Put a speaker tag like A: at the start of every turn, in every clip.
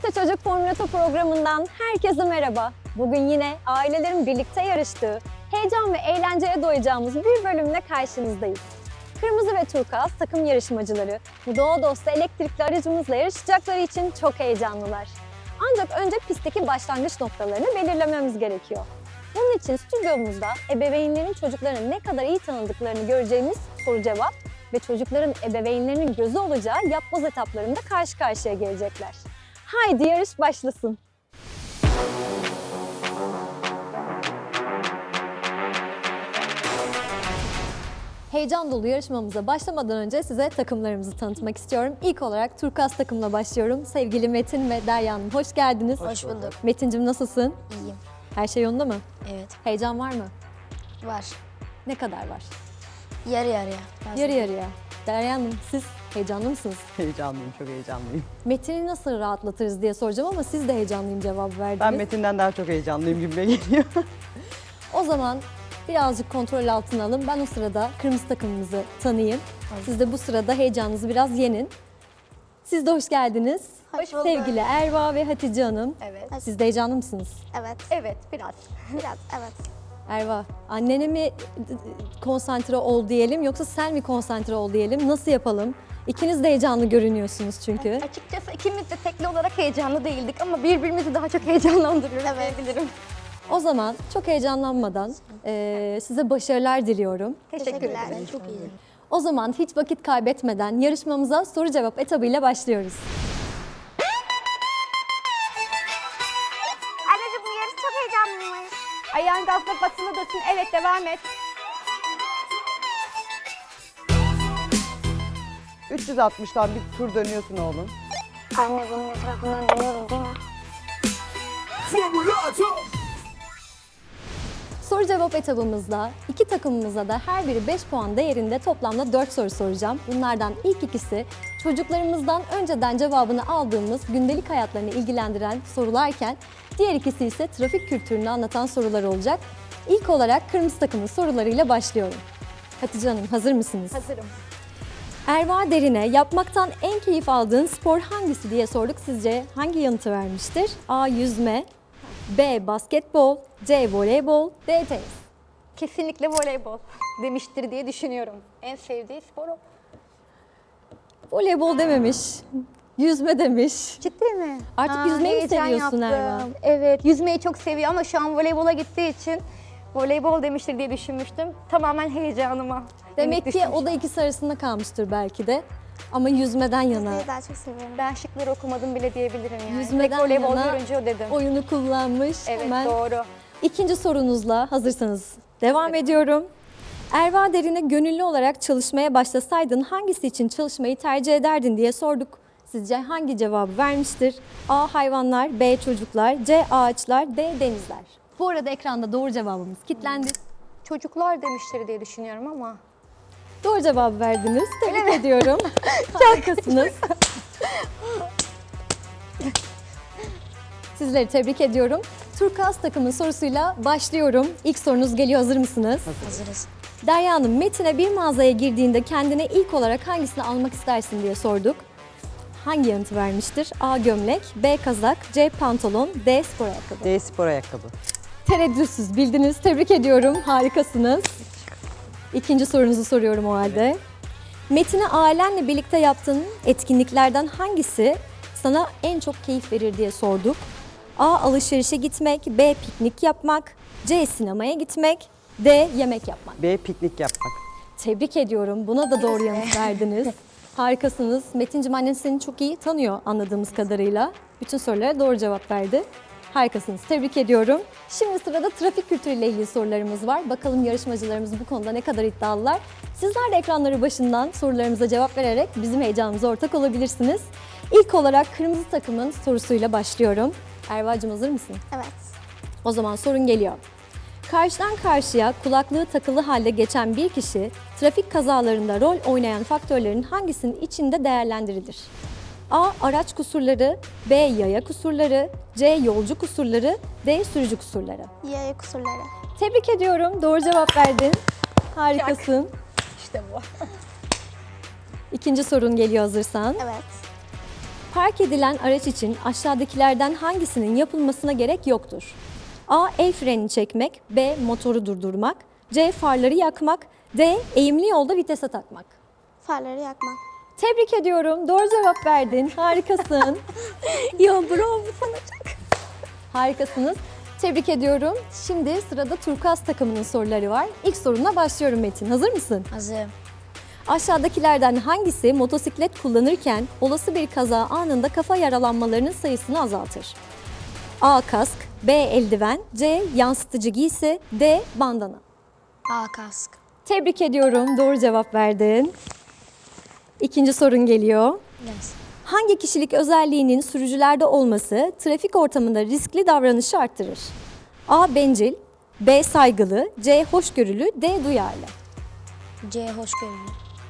A: TRT Çocuk Formülatör programından herkese merhaba. Bugün yine ailelerin birlikte yarıştığı, heyecan ve eğlenceye doyacağımız bir bölümle karşınızdayız. Kırmızı ve turkuaz takım yarışmacıları bu doğa dostu elektrikli aracımızla yarışacakları için çok heyecanlılar. Ancak önce pistteki başlangıç noktalarını belirlememiz gerekiyor. Bunun için stüdyomuzda ebeveynlerin çocuklarını ne kadar iyi tanıdıklarını göreceğimiz soru cevap ve çocukların ebeveynlerinin gözü olacağı yapboz etaplarında karşı karşıya gelecekler. Haydi yarış başlasın. Heyecan dolu yarışmamıza başlamadan önce size takımlarımızı tanıtmak istiyorum. İlk olarak turkuaz takımla başlıyorum. Sevgili Metin ve Derya Hanım hoş geldiniz.
B: Hoş bulduk.
A: Metin'cim nasılsın?
B: İyiyim.
A: Her şey yolunda mı?
B: Evet.
A: Heyecan var mı?
B: Var.
A: Ne kadar var?
B: Yarı yarıya.
A: Yarı yarıya. Derya Hanım siz heyecanlı mısınız?
C: Heyecanlıyım, çok heyecanlıyım.
A: Metin'i nasıl rahatlatırız diye soracağım ama siz de heyecanlıyım cevabı verdiniz.
C: Ben Metin'den daha çok heyecanlıyım gibime geliyor.
A: O zaman birazcık kontrol altına alın. Ben o sırada kırmızı takımımızı tanıyayım. Siz de bu sırada heyecanınızı biraz yenin. Siz de hoş geldiniz.
B: Hoş bulduk.
A: Sevgili Erva ve Hatice Hanım.
B: Evet.
A: Siz de heyecanlı mısınız?
B: Evet.
D: Evet, biraz.
B: Biraz evet.
A: Erva, annene mi konsantre ol diyelim yoksa sen mi konsantre ol diyelim? Nasıl yapalım? İkiniz de heyecanlı görünüyorsunuz çünkü.
D: Açıkçası ikimiz de tekli olarak heyecanlı değildik ama birbirimizi daha çok heyecanlandırıyoruz diyebilirim.
A: O zaman çok heyecanlanmadan size başarılar diliyorum.
D: Teşekkür ederim.
B: Çok iyiyim.
A: O zaman hiç vakit kaybetmeden yarışmamıza soru cevap etabıyla başlıyoruz.
B: Anneciğim bu yarış çok heyecanlıymış.
D: Ayağın gazla basılı dursun. Evet, devam et.
C: 360'tan bir tur dönüyorsun oğlum.
B: Anne bunun etrafından dönüyorum değil mi?
A: Soru cevap etabımızda iki takımımıza da her biri 5 puan değerinde toplamda 4 soru soracağım. Bunlardan ilk ikisi çocuklarımızdan önceden cevabını aldığımız gündelik hayatlarını ilgilendiren sorularken diğer ikisi ise trafik kültürünü anlatan sorular olacak. İlk olarak kırmızı takımın sorularıyla başlıyorum. Hatice Hanım hazır mısınız?
D: Hazırım.
A: Erva Derin'e yapmaktan en keyif aldığın spor hangisi diye sorduk. Sizce hangi yanıtı vermiştir? A. Yüzme, B. Basketbol, C. Voleybol, D. Tenis.
D: Kesinlikle voleybol demiştir diye düşünüyorum. En sevdiği spor o.
A: Voleybol dememiş, yüzme demiş.
D: Ciddi mi?
A: Artık yüzmeyi mi
D: heyecan
A: seviyorsun
D: yaptım.
A: Erva?
D: Evet, yüzmeyi çok seviyor ama şu an voleybola gittiği için voleybol demiştir diye düşünmüştüm. Tamamen heyecanıma.
A: Demek ki o da ikisi arasında kalmıştır belki de. Ama yüzmeden yana,
B: Yüzmeyi daha çok seviyorum.
D: Ben şıkları okumadım bile diyebilirim yani.
A: yüzmeden
D: Tek voleybol
A: yana
D: görünce o dedim.
A: oyunu kullanmış.
D: Evet,
A: Hemen
D: doğru.
A: İkinci sorunuzla hazırsanız devam ediyorum. Erva Derin'e gönüllü olarak çalışmaya başlasaydın hangisi için çalışmayı tercih ederdin diye sorduk. Sizce hangi cevabı vermiştir? A. Hayvanlar, B. Çocuklar, C. Ağaçlar, D. Denizler. Bu arada ekranda doğru cevabımız kilitlendi.
D: Çocuklar demiştir diye düşünüyorum ama.
A: Doğru cevabı verdiniz. Tebrik ediyorum. Harikasınız. Sizleri tebrik ediyorum. Turkuaz takımın sorusuyla başlıyorum. İlk sorunuz geliyor. Hazır mısınız?
B: Hazırız.
A: Derya Hanım, Metin'e bir mağazaya girdiğinde kendine ilk olarak hangisini almak istersin diye sorduk. Hangi yanıtı vermiştir? A. Gömlek, B. Kazak, C. Pantolon, D. Spor ayakkabı.
C: D spor ayakkabı.
A: Tereddütsüz bildiniz. Tebrik ediyorum. Harikasınız. İkinci sorunuzu soruyorum o halde. Metin'e ailenle birlikte yaptığın etkinliklerden hangisi sana en çok keyif verir diye sorduk. A. Alışverişe gitmek, B. Piknik yapmak, C. Sinemaya gitmek, D. Yemek yapmak.
C: B piknik yapmak.
A: Tebrik ediyorum. Buna da doğru yanıt verdiniz. Harikasınız. Metin'cim annen seni çok iyi tanıyor anladığımız kadarıyla. Bütün sorulara doğru cevap verdi. Harikasınız. Tebrik ediyorum. Şimdi sırada trafik kültürüyle ilgili sorularımız var. Bakalım yarışmacılarımız bu konuda ne kadar iddialılar. Sizler de ekranları başından sorularımıza cevap vererek bizim heyecanımıza ortak olabilirsiniz. İlk olarak kırmızı takımın sorusuyla başlıyorum. Erva'cığım hazır mısın?
B: Evet.
A: O zaman sorun geliyor. Karşıdan karşıya kulaklığı takılı halde geçen bir kişi trafik kazalarında rol oynayan faktörlerin hangisinin içinde değerlendirilir? A. Araç kusurları, B. Yaya kusurları, C. Yolcu kusurları, D. Sürücü kusurları.
B: Yaya kusurları.
A: Tebrik ediyorum. Doğru cevap verdin. Harikasın.
D: İşte bu.
A: İkinci sorun geliyor hazırsan.
B: Evet.
A: Park edilen araç için aşağıdakilerden hangisinin yapılmasına gerek yoktur? A. El frenini çekmek. B. Motoru durdurmak. C. Farları yakmak. D. Eğimli yolda vitese takmak.
B: Farları yakmak.
A: Tebrik ediyorum. Doğru cevap verdin. Harikasın.
D: Ya bravo sana çok.
A: Harikasınız. Tebrik ediyorum. Şimdi sırada turkuaz takımının soruları var. İlk sorumla başlıyorum Metin. Hazır mısın?
B: Hazırım.
A: Aşağıdakilerden hangisi motosiklet kullanırken olası bir kaza anında kafa yaralanmalarının sayısını azaltır? A. Kask. B. Eldiven. C. Yansıtıcı giysi. D. Bandana.
B: A. Kask.
A: Tebrik ediyorum. Doğru cevap verdin. İkinci sorun geliyor.
B: Yes.
A: Hangi kişilik özelliğinin sürücülerde olması trafik ortamında riskli davranışı arttırır? A. Bencil. B. Saygılı. C. Hoşgörülü. D. Duyarlı.
B: C. Hoşgörülü.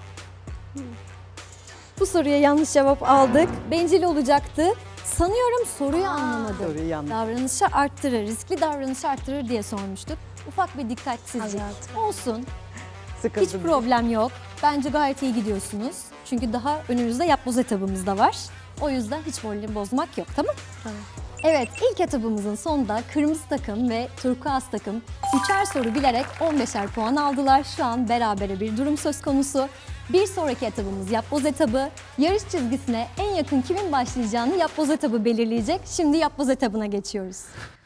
A: Bu soruya yanlış cevap aldık. Bencil olacaktı. Sanıyorum soruyu anlamadım.
C: Soruyu yanlış.
A: Davranışı arttırır, riskli davranışı arttırır diye sormuştuk. Ufak bir dikkatsizlik.
B: Azaltır.
A: Olsun.
C: Sıkıntı
A: Hiç
C: değil.
A: problem yok. Bence gayet iyi gidiyorsunuz. Çünkü daha önümüzde yapboz etabımız da var. O yüzden hiç moralini bozmak yok, tamam?
B: Tamam.
A: Evet, ilk etabımızın sonunda kırmızı takım ve turkuaz takım 3'er soru bilerek 15'er puan aldılar. Şu an berabere bir durum söz konusu. Bir sonraki etabımız yapboz etabı. Yarış çizgisine en yakın kimin başlayacağını yapboz etabı belirleyecek. Şimdi yapboz etabına geçiyoruz.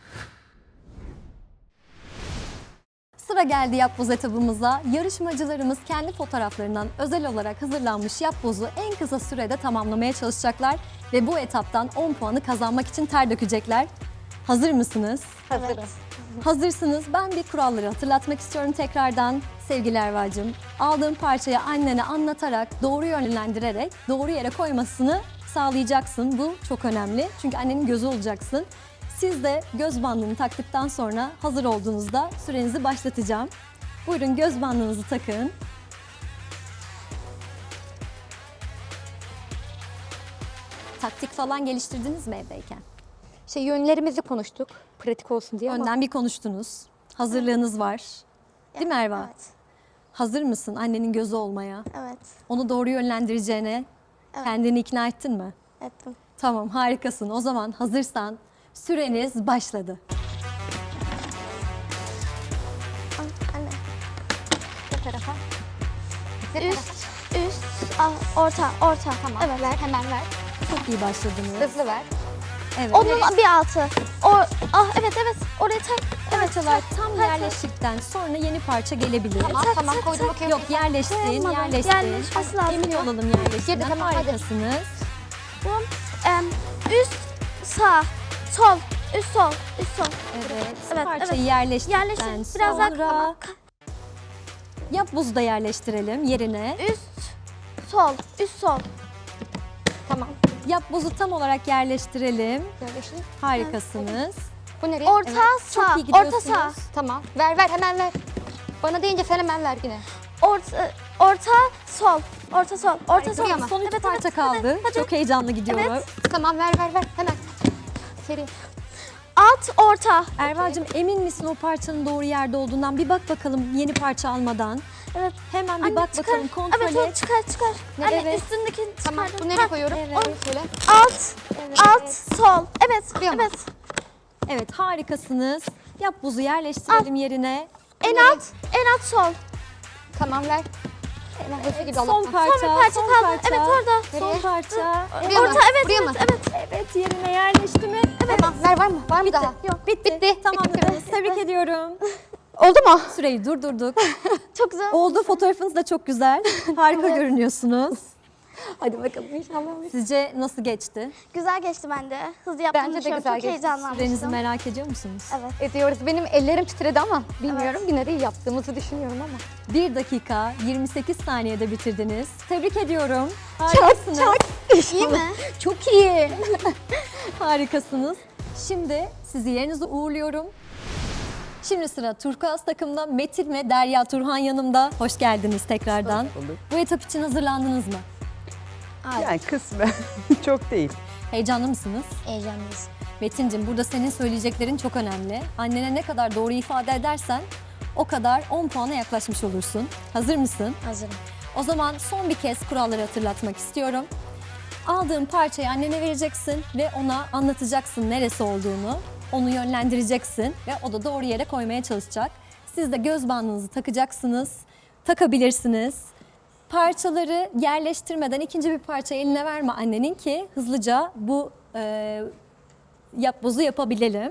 A: Sıra geldi yapboz etabımıza. Yarışmacılarımız kendi fotoğraflarından özel olarak hazırlanmış yapbozu en kısa sürede tamamlamaya çalışacaklar ve bu etaptan 10 puanı kazanmak için ter dökecekler. Hazır mısınız?
B: Hazırım.
A: Hazırsınız. Ben bir kuralları hatırlatmak istiyorum tekrardan. Sevgili Erva'cığım, aldığın parçayı annene anlatarak, doğru yönlendirerek doğru yere koymasını sağlayacaksın. Bu çok önemli. Çünkü annenin gözü olacaksın. Siz de göz bandını taktıktan sonra hazır olduğunuzda sürenizi başlatacağım. Buyurun göz bandınızı takın. Taktik falan geliştirdiniz mi evdeyken?
D: Yönlerimizi konuştuk. Pratik olsun diye ama
A: Önden bir konuştunuz. Hazırlığınız var. Değil mi Erva?
B: Evet.
A: Hazır mısın annenin gözü olmaya?
B: Evet.
A: Onu doğru yönlendireceğine kendini ikna ettin mi?
B: Ettim.
A: Tamam, harikasın. O zaman hazırsan süreniz başladı.
B: Anne.
D: bu tarafa.
B: Üst, orta. Tamam. Evet.
D: Ver, hemen ver.
A: Çok iyi başladınız.
D: Hızlı ver.
A: Evet.
B: Onun bir altı. Evet. Oraya tak.
A: Parçalar tam yerleştikten sonra yeni parça gelebilir.
D: Tamam koydum okey.
A: Yok yerleştin,
B: Tamam,
A: yerleştin.
B: yerleşmesi lazım.
A: Emin olalım yerleştiğinden.
D: Girdi, tamam, hadi.
A: Harikasınız.
B: Üst, sağ, sol. Üst, sol.
A: Evet.
B: Evet,
A: Parçayı
B: evet.
A: yerleştirdikten
B: Yerleştir. Biraz daha
A: sonra yapbozu da yerleştirelim yerine.
B: Üst, sol.
D: Tamam.
A: Yapbozu tam olarak yerleştirelim.
D: Yerleşin.
A: Harikasınız.
D: Bu nereye?
B: Orta,
A: Evet,
B: sağ.
A: çok iyi
B: Orta,
A: gidiyorsunuz.
B: sağ.
D: Tamam. Ver hemen ver. Bana deyince sen hemen ver yine.
B: Orta, sol. Orta, sol.
D: Buraya mı?
A: Son üç parça kaldı.
B: hadi.
A: Çok heyecanlı gidiyorum.
B: Evet.
D: Tamam ver hemen. Seri.
B: Alt, orta.
A: Erva'cığım emin misin o parçanın doğru yerde olduğundan? Bir bak bakalım yeni parça almadan.
B: Evet.
A: Hemen bir
B: Anne,
A: bak
B: çıkar.
A: bakalım kontrol
B: Evet, onu
A: et.
B: çıkar. Anne
A: Evet.
B: üstündekini
D: Tamam.
B: çıkardım.
D: Bu nereye koyuyorum?
A: Evet.
D: Şöyle.
B: Alt, sol. Evet,
D: Buraya mı?
B: evet.
A: Evet harikasınız. Yapbozu yerleştirelim yerine.
B: En alt sol.
D: Tamam ver. Hemen hızlı gibi
A: Son
D: Allah'tan.
A: parça,
B: Son bir parça
A: son
B: kaldı.
A: parça.
B: Evet, orada.
A: Son
D: Nereye?
A: parça.
D: Buraya mı?
B: Orta, evet,
D: Buraya mı?
A: Evet yerine yerleşti mi?
D: Tamam ver var mı? Var mı daha?
A: Yok bitti.
D: Bitti.
A: Tamamladınız. Tebrik ediyorum.
D: Oldu mu?
A: Süreyi durdurduk.
B: Çok güzel.
A: Oldu, fotoğrafınız da çok güzel. Harika görünüyorsunuz.
D: Hadi bakalım inşallah.
A: Sizce nasıl geçti?
B: Güzel geçti bence. Hızlı yaptığımı
D: Bence de
B: düşünüyorum.
D: güzel
B: Çok
D: geçti.
A: Sürenizi
B: heyecanlanmıştım.
A: merak ediyor musunuz?
B: Evet.
D: Ediyoruz. Benim ellerim titredi ama bilmiyorum. Yine de iyi yaptığımızı düşünüyorum ama.
A: 1 dakika 28 saniyede bitirdiniz. Tebrik ediyorum. Harikasınız.
B: İyi mi?
D: Çok iyi.
A: Harikasınız. Şimdi sizi yerinize uğurluyorum. Şimdi sıra turkuaz takımda Metin ve Derya Turhan yanımda. Hoş geldiniz tekrardan.
C: Hoş bulduk.
A: Bu etap için hazırlandınız mı?
C: Yani kısmen çok değil.
A: Heyecanlı mısınız?
B: Heyecanlıyız.
A: Metin'cim burada senin söyleyeceklerin çok önemli. Annene ne kadar doğru ifade edersen o kadar 10 puana yaklaşmış olursun. Hazır mısın?
B: Hazırım.
A: O zaman son bir kez kuralları hatırlatmak istiyorum. Aldığın parçayı annene vereceksin ve ona anlatacaksın neresi olduğunu. Onu yönlendireceksin ve o da doğru yere koymaya çalışacak. Siz de göz bandınızı takacaksınız, takabilirsiniz. Parçaları yerleştirmeden ikinci bir parça eline verme annenin ki hızlıca bu yapbozu yapabilelim.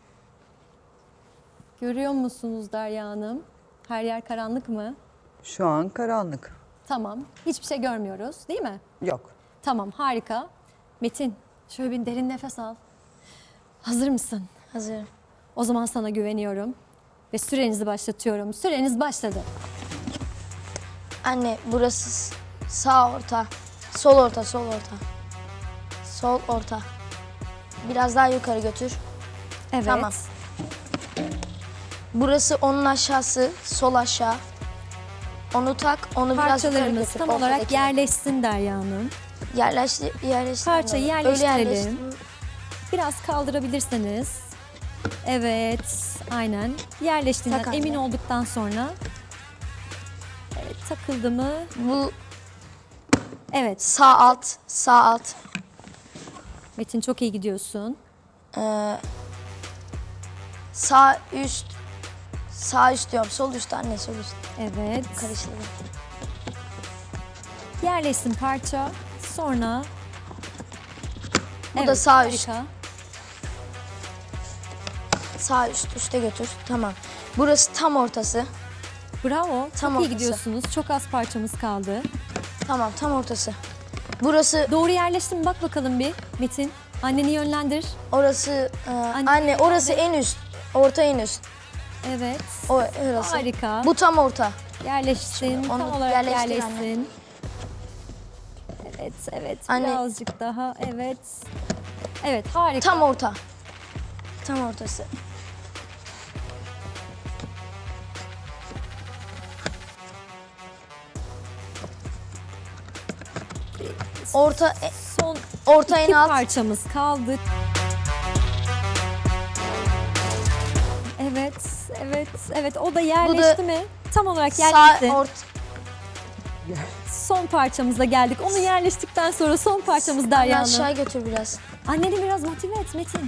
A: Görüyor musunuz Derya Hanım? Her yer karanlık mı?
C: Şu an karanlık.
A: Tamam. Hiçbir şey görmüyoruz değil mi?
C: Yok.
A: Tamam, harika. Metin, şöyle bir derin nefes al. Hazır mısın?
B: Hazırım.
A: O zaman sana güveniyorum ve sürenizi başlatıyorum. Süreniz başladı.
B: Anne burası sağ orta, sol orta, sol orta. Sol orta. Biraz daha yukarı götür.
A: Evet.
B: Tamam. Burası onun aşağısı, sol aşağı. Onu tak, onu biraz yukarı
A: Parçalarımız
B: götür.
A: tam olarak
B: ortadaki.
A: yerleşsin Derya Hanım.
B: Yerleştir.
A: Parçayı
B: Öyle
A: yerleştirelim.
B: yerleştir.
A: Biraz kaldırabilirseniz. Evet, aynen. Yerleştiğinden
B: Tak anne.
A: emin olduktan sonra. Evet, takıldı mı?
B: Bu
A: Evet,
B: sağ alt, sağ alt.
A: Metin çok iyi gidiyorsun.
B: Sağ üst, sağ üst diyorum. Sol üst anne, sol üst.
A: Evet.
B: Karıştırdım.
A: Yerleşsin parça. Sonra
B: Bu da sağ üst.
A: harika.
B: Sağ üst, üste götür. Tamam. Burası tam ortası.
A: Bravo.
B: Tam
A: çok iyi
B: ortası.
A: gidiyorsunuz. Çok az parçamız kaldı.
B: Tamam, tam ortası. Burası,
A: Doğru yerleşti mi? Bak bakalım bir Metin. Anneni yönlendir.
B: orası, anne orası en üst. Orta en üst.
A: Evet.
B: O orası.
A: Harika.
B: Bu tam orta.
A: Yerleşsin.
B: Onu
A: Tam olarak
B: yerleştir
A: yerleşsin. Evet, evet.
B: Anne.
A: Birazcık daha. Evet. Evet, harika.
B: Tam orta. Tam ortası. Orta,
A: Son
B: orta en
A: iki
B: alt.
A: parçamız kaldı. Evet, evet, evet. O da yerleşti mi? Tam olarak
B: Sağ
A: yerleşti.
B: orta.
A: Son parçamıza geldik. Onu yerleştikten sonra son parçamız Derya Hanım.
B: Aşağı götür biraz.
A: Anneni biraz motive et Metin.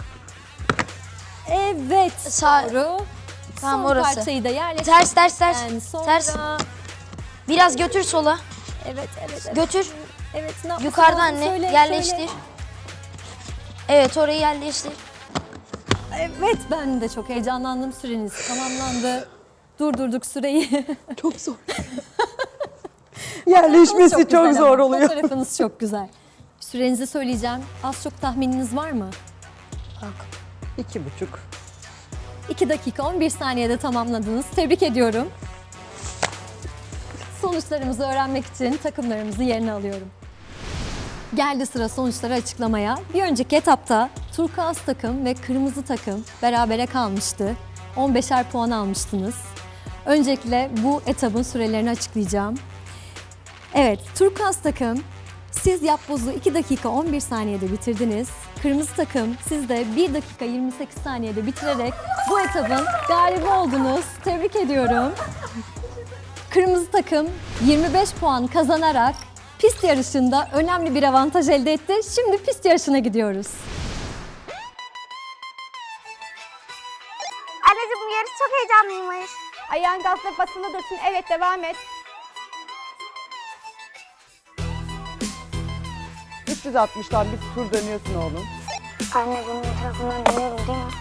A: Evet,
B: Sağ-
A: doğru.
B: Tamam,
A: son
B: orası.
A: parçayı da yerleştik.
B: Ters, ters, ters.
A: Sonra...
B: Ters. Biraz götür sola.
A: Evet, evet, evet.
B: Götür.
A: Evet, ne yapması
B: Yukarıda
A: lazım?
B: anne.
A: Söyle,
B: Yerleştir.
A: söyle.
B: Evet, orayı yerleştir.
A: Evet, ben de çok heyecanlandım. Süreniz tamamlandı. Durdurduk süreyi.
C: Çok zor. Yerleşmesi çok
A: güzel
C: zor
A: ama.
C: oluyor.
A: Fotoğrafınız çok güzel. Sürenizi söyleyeceğim. Az çok tahmininiz var mı?
B: Bak.
C: 2,5.
A: 2 dakika 11 saniyede tamamladınız. Tebrik ediyorum. Sonuçlarımızı öğrenmek için takımlarımızı yerine alıyorum. Geldi sıra sonuçları açıklamaya. Bir önceki etapta turkuaz takım ve kırmızı takım berabere kalmıştı. 15'er puan almıştınız. Öncelikle bu etabın sürelerini açıklayacağım. Evet, turkuaz takım siz yapbozu 2 dakika 11 saniyede bitirdiniz. Kırmızı takım siz de 1 dakika 28 saniyede bitirerek bu etabın galibi oldunuz. Tebrik ediyorum. Kırmızı takım 25 puan kazanarak pist yarışında önemli bir avantaj elde etti. Şimdi pist yarışına gidiyoruz.
D: Anneciğim bu yarış çok heyecanlıymış. Ayağın gazla basılı dursun. Evet, devam et.
C: 360'dan bir tur dönüyorsun oğlum.
D: Anne bunun etrafından dönüyorum değil mi?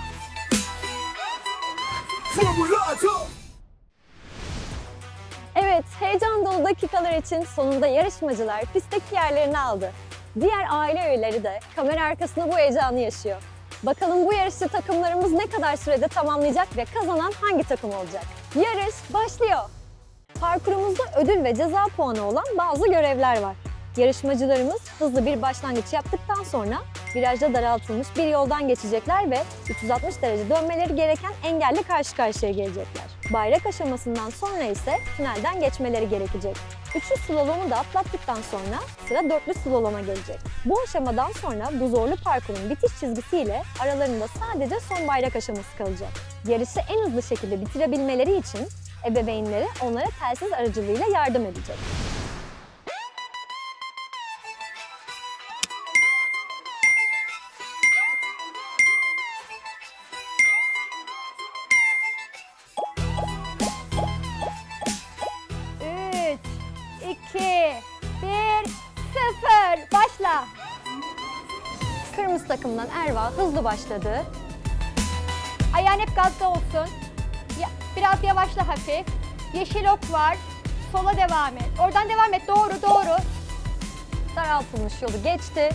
A: Evet, heyecan dolu dakikalar için sonunda yarışmacılar pistteki yerlerini aldı. Diğer aile üyeleri de kamera arkasında bu heyecanı yaşıyor. Bakalım bu yarışı takımlarımız ne kadar sürede tamamlayacak ve kazanan hangi takım olacak? Yarış başlıyor. Parkurumuzda ödül ve ceza puanı olan bazı görevler var. Yarışmacılarımız hızlı bir başlangıç yaptıktan sonra virajda daraltılmış bir yoldan geçecekler ve 360 derece dönmeleri gereken engelle karşı karşıya gelecekler. Bayrak aşamasından sonra ise tünelden geçmeleri gerekecek. Üçlü slalomu da atlattıktan sonra sıra dörtlü slaloma gelecek. Bu aşamadan sonra bu zorlu parkurun bitiş çizgisiyle aralarında sadece son bayrak aşaması kalacak. Yarışı en hızlı şekilde bitirebilmeleri için ebeveynleri onlara telsiz aracılığıyla yardım edecek.
D: orta.
A: Kırmızı takımdan Erva hızlı başladı.
D: Ayağın hep gazda olsun. Biraz yavaşla hafif. Yeşil ok var. Sola devam et. Oradan devam et. Doğru, doğru.
A: Daraltılmış yolu geçti.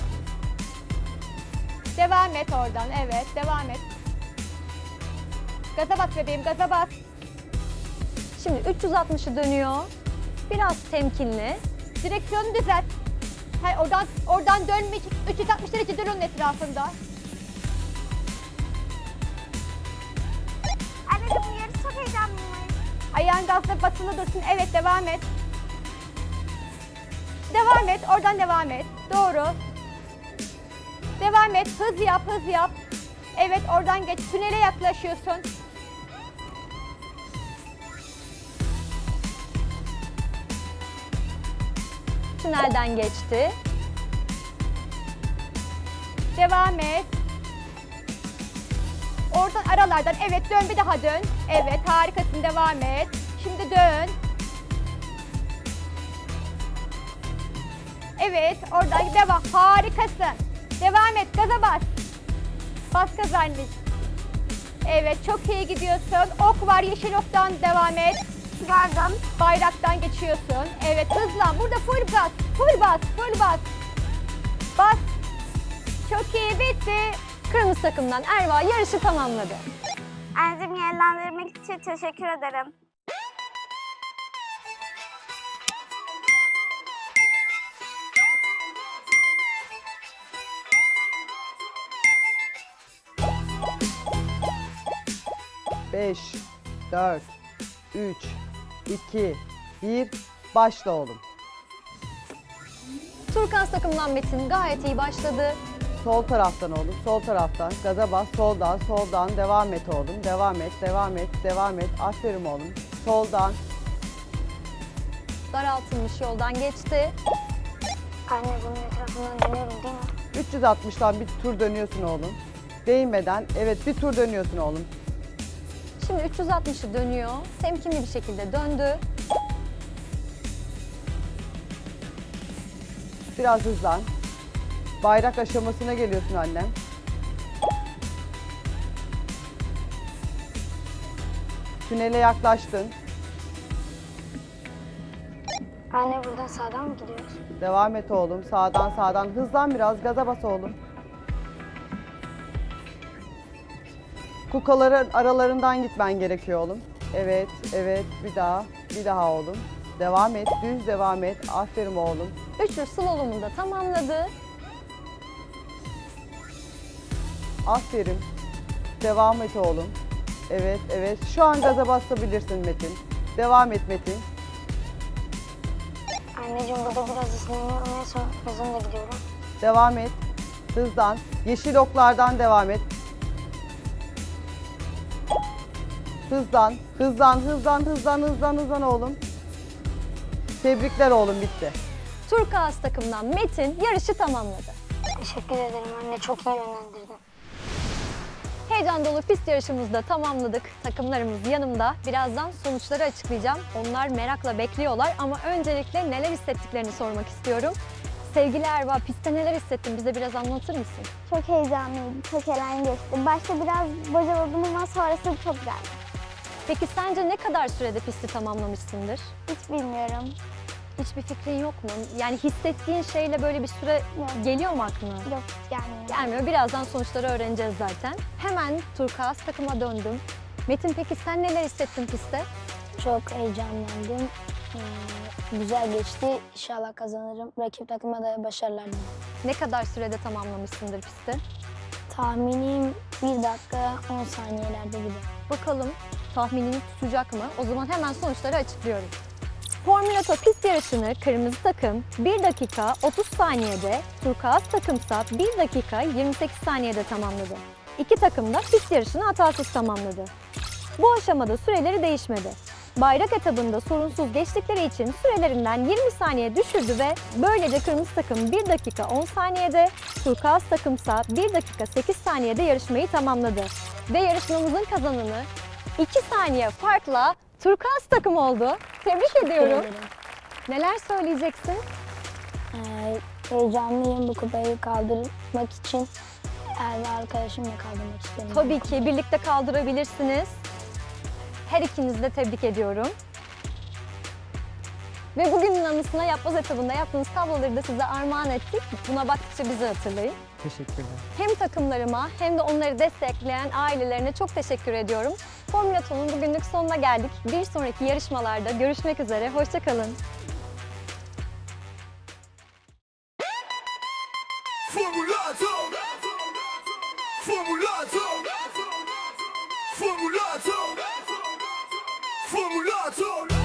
D: Devam et oradan. Evet, devam et. Gaza bas bebeğim, gaza bas.
A: Şimdi 360'ı dönüyor. Biraz temkinli.
D: Direksiyonu düzelt. Hayır, oradan dönme. 360 derece dön onun etrafında.
E: Anneciğim bu yarış çok heyecanlıyım.
D: Ayağın gazda basılı dursun. Evet, devam et. Devam et, oradan devam et. Doğru. Devam et, hız yap, hız yap. Evet, oradan geç. Tünele yaklaşıyorsun.
A: Tünelden geçti.
D: Devam et. Oradan aralardan. Evet, dön, bir daha dön. Evet, harikasın, devam et. Şimdi dön. Evet, oradan devam. Harikasın. Devam et, gaza bas. Bas gaza anneciğim. Evet, çok iyi gidiyorsun. Ok var, yeşil oktan devam et.
E: Gördüm.
D: Bayraktan geçiyorsun. Evet, hızlan. Burada full bas, full bas, full bas. Bas. Çok iyi, bitti.
A: Kırmızı takımdan Erva yarışı tamamladı.
E: Anneciğim yönlendirmek için teşekkür ederim.
C: Beş, 4, 3, 2, 1. Başla oğlum.
A: Turkuaz takımdan Metin gayet iyi başladı.
C: Sol taraftan oğlum, sol taraftan. Gaza bas, soldan, soldan. Devam et oğlum. Devam et, devam et, devam et. Aferin oğlum. Soldan.
A: Daraltılmış yoldan geçti.
E: Anne bunun etrafından dönüyorum değil mi?
C: 360'tan bir tur dönüyorsun oğlum. Değmeden, evet bir tur dönüyorsun oğlum.
A: Şimdi 360'ı dönüyor. Temkinli bir şekilde döndü.
C: Biraz hızlan. Bayrak aşamasına geliyorsun annem. Tünele yaklaştın.
E: Anne buradan sağdan mı gidiyoruz?
C: Devam et oğlum. Sağdan sağdan. Hızlan biraz. Gaza bas oğlum. Kukaların aralarından gitmen gerekiyor oğlum. Evet, evet. Bir daha. Bir daha oğlum. Devam et. Düz devam et. Aferin oğlum.
A: Üçlü slalomunu da tamamladı.
C: Aferin. Devam et oğlum. Evet, evet. Şu an gaza basabilirsin Metin. Devam et Metin.
E: Anneciğim burada biraz ısınıyorum en son hızımla gidiyorum.
C: Devam et. Hızlan. Yeşil oklardan devam et. Hızlan. Hızlan, hızlan, hızlan, hızlan, hızlan oğlum. Tebrikler oğlum, bitti.
A: Turkuaz takımdan Metin yarışı tamamladı.
E: Teşekkür ederim anne, çok iyi yönlendirdin.
A: Heyecan dolu pist yarışımızı da tamamladık. Takımlarımız yanımda. Birazdan sonuçları açıklayacağım. Onlar merakla bekliyorlar ama öncelikle neler hissettiklerini sormak istiyorum. Sevgili Erva, pistte neler hissettin? Bize biraz anlatır mısın?
E: Çok heyecanlıydım, çok eğlenceli geçti. Başta biraz bocaladım ama sonrası çok güzeldi.
A: Peki sence ne kadar sürede pisti tamamlamışsındır?
E: Hiç bilmiyorum.
A: Hiçbir fikrin yok mu? Yani hissettiğin şeyle böyle bir süre
E: Yok.
A: geliyor mu aklına?
E: Yok hiç gelmiyor.
A: Gelmiyor. Birazdan sonuçları öğreneceğiz zaten. Hemen Turkuaz takıma döndüm. Metin, peki sen neler hissettin pistte?
B: Çok heyecanlandım. Güzel geçti. İnşallah kazanırım. Rakip takıma da başarılar dilerim.
A: Ne kadar sürede tamamlamışsındır pisti?
B: Tahminim 1 dakika 10 saniyelerde gibi.
A: Bakalım tahminini tutacak mı? O zaman hemen sonuçları açıklıyorum. Formülato pist yarışını kırmızı takım 1 dakika 30 saniyede, turkuaz takımsa 1 dakika 28 saniyede tamamladı. İki takım da pist yarışını hatasız tamamladı. Bu aşamada süreleri değişmedi. Bayrak etabında sorunsuz geçtikleri için sürelerinden 20 saniye düşürdü ve böylece kırmızı takım 1 dakika 10 saniyede, turkuaz takımsa 1 dakika 8 saniyede yarışmayı tamamladı. Ve yarışmamızın kazananı 2 saniye farkla turkuaz takım oldu. Tebrik ediyorum.
B: ederim.
A: Neler söyleyeceksin?
B: Heyecanlıyım bu kupayı kaldırmak için. Erve arkadaşımla kaldırmak istiyorum.
A: Tabii ki birlikte kaldırabilirsiniz. Her ikinizi de tebrik ediyorum. Ve bugünün anısına yapboz etabında yaptığınız tabloları da size armağan ettik. Buna baktıkça bizi hatırlayın.
C: Teşekkürler.
A: Hem takımlarıma hem de onları destekleyen ailelerine çok teşekkür ediyorum. Formülaton'un bugünlük sonuna geldik. Bir sonraki yarışmalarda görüşmek üzere. Hoşça kalın.
F: Formulato Formulato Formulato Formulato